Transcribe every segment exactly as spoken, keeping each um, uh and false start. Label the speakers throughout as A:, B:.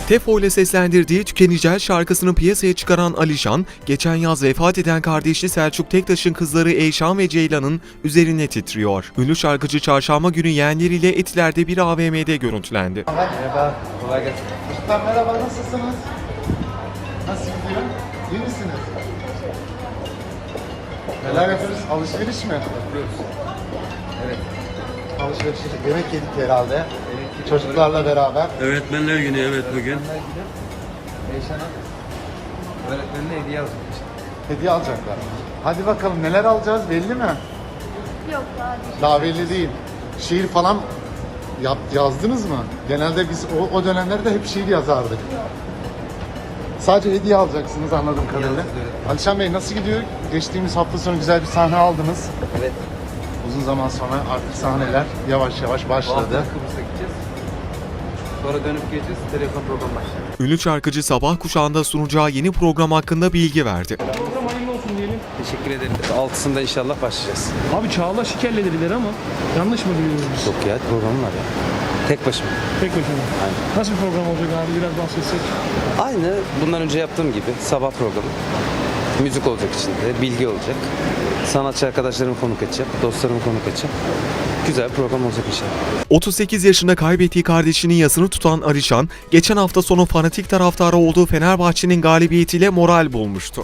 A: Tefo ile seslendirdiği Tükenecel şarkısını piyasaya çıkaran Alişan, geçen yaz vefat eden kardeşi Selçuk Tektaş'ın kızları Eyşan ve Ceylan'ın üzerine titriyor. Ünlü şarkıcı çarşamba günü yeğenleriyle Etiler'de bir A V M'de görüntülendi.
B: Merhaba, kolay gelsin.
C: Ustam merhaba, nasılsınız? Nasıl gidiyor? İyi misiniz? Neler yapıyoruz? Alışveriş mi?
B: Yapıyoruz. Evet.
C: Alışveriş yedik, yemek yedik herhalde. Evet, çocuklarla beraber.
D: Öğretmenler günü evet bugün.
B: Öğretmenler gidip Eyşan'a öğretmenine hediye alacak.
C: Hediye alacaklar. Hadi bakalım, neler alacağız belli mi?
E: Yok daha değil.
C: Daha belli değil. Şiir falan yap, yazdınız mı? Genelde biz o, o dönemlerde hep şiir yazardık. Sadece hediye alacaksınız anladığım kadarıyla.
B: alacağız, evet.
C: Alişan Bey nasıl gidiyor? Geçtiğimiz hafta sonu güzel bir sahne aldınız.
B: Evet.
C: Uzun zaman sonra artık sahneler yavaş yavaş
B: Bu hafta
C: başladı.
B: Kıbrıs'a gideceğiz. Sonra dönüp geleceğiz. Telefon program başlayacak.
A: Ünlü şarkıcı sabah kuşağında sunacağı yeni program hakkında bilgi verdi.
F: Program hayırlı olsun diyelim.
B: Teşekkür ederim. Altısında inşallah başlayacağız.
F: Abi Çağla Şiker'le dediler ama yanlış mı biliyoruz biz?
B: Yok ya programım var ya. Tek başıma.
F: Tek başına.
B: Aynen.
F: Nasıl bir program olacak abi biraz bahsetsek?
B: Aynı bundan önce yaptığım gibi sabah programı. Müzik olacak içinde, bilgi olacak. Sanatçı arkadaşlarımı konuk edeceğim, dostlarımı konuk edeceğim. Güzel bir program olacak inşallah.
A: otuz sekiz yaşında kaybettiği kardeşinin yasını tutan Alişan, geçen hafta sonu fanatik taraftarı olduğu Fenerbahçe'nin galibiyetiyle moral bulmuştu.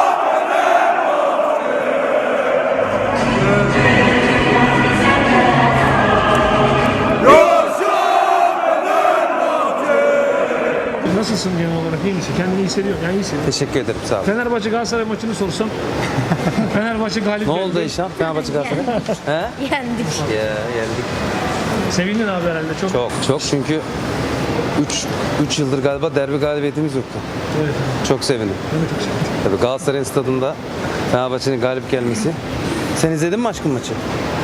F: Nasılsın genel olarak? İyi misin? Kendini iyi hissediyor. Yani iyi hissediyor.
B: Teşekkür ederim, sağ olun.
F: Fenerbahçe Galatasaray maçını sorsam. Fenerbahçe galip
B: Ne
F: geldi.
B: oldu Eyşan? Fenerbahçe Galatasaray? He?
E: Yendik.
B: Ya yendik.
F: Sevindin abi herhalde çok.
B: Çok çok çünkü üç yıldır galiba derbi galibiyetimiz yoktu.
F: Evet.
B: Çok sevindim.
F: Ben de çok sevindim.
B: Tabii Galatasaray'ın stadında Fenerbahçe'nin galip gelmesi. Sen izledin mi aşkım maçı?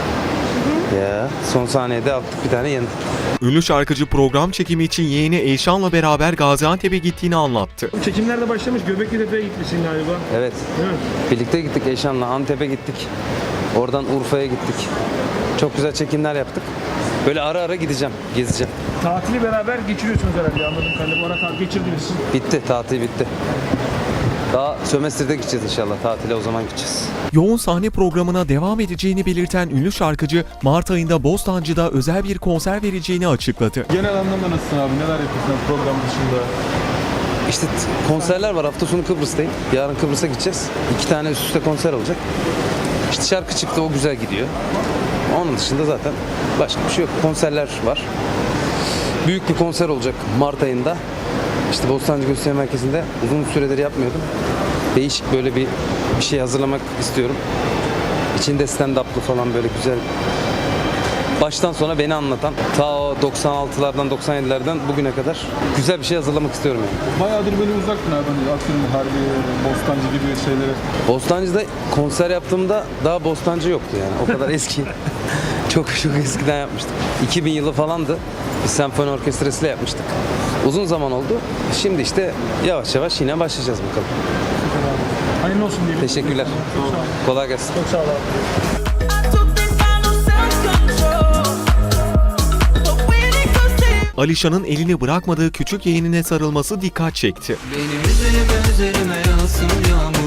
B: Ya son saniyede attık bir tane yendik.
A: Ünlü şarkıcı program çekimi için yeğeni Eyşan'la beraber Gaziantep'e gittiğini anlattı.
F: Çekimler de başlamış. Göbeklitepe'ye gitmişsin galiba.
B: Evet.
F: Değil mi?
B: Birlikte gittik Eyşan'la Antep'e gittik. Oradan Urfa'ya gittik. Çok güzel çekimler yaptık. Böyle ara ara gideceğim, gezeceğim.
F: Tatili beraber geçiriyorsunuz herhalde anladığım kadarıyla. Bu ara tatil geçirdiniz.
B: Bitti, tatil bitti. Daha sömestrde gideceğiz inşallah. Tatile o zaman gideceğiz.
A: Yoğun sahne programına devam edeceğini belirten ünlü şarkıcı, Mart ayında Bostancı'da özel bir konser vereceğini açıkladı.
G: Genel anlamda nasılsın abi? Neler yapıyorsun program dışında?
B: İşte t- konserler var. Hafta sonu Kıbrıs'tayım. Yarın Kıbrıs'a gideceğiz. İki tane üst üste konser olacak. İşte şarkı çıktı, o güzel gidiyor. Onun dışında zaten başka bir şey yok. Konserler var. Büyük bir konser olacak Mart ayında. İşte Bostancı Gösteri Merkezi'nde uzun süredir yapmıyordum. Değişik böyle bir bir şey hazırlamak istiyorum. İçinde stand-up'lı falan böyle güzel. Baştan sona beni anlatan, ta o doksan altılardan doksan yedilerden bugüne kadar güzel bir şey hazırlamak istiyorum yani.
G: Bayağıdır böyle uzaktın abi. Hani atıyorum Harbi, Bostancı gibi şeylere.
B: Bostancı'da konser yaptığımda daha Bostancı yoktu yani. O kadar eski. çok çok eskiden yapmıştık. iki bin yılı falandı. Bir senfoni orkestrasıyla yapmıştık. Uzun zaman oldu. Şimdi işte yavaş yavaş yine başlayacağız bakalım.
F: Hayırlı olsun diyelim.
B: Teşekkürler. Kolay gelsin.
F: Çok sağ ol abi.
A: Alişan'ın elini bırakmadığı küçük yeğenine sarılması dikkat çekti.
H: Benim üzerime üzerime yağsın yağmur.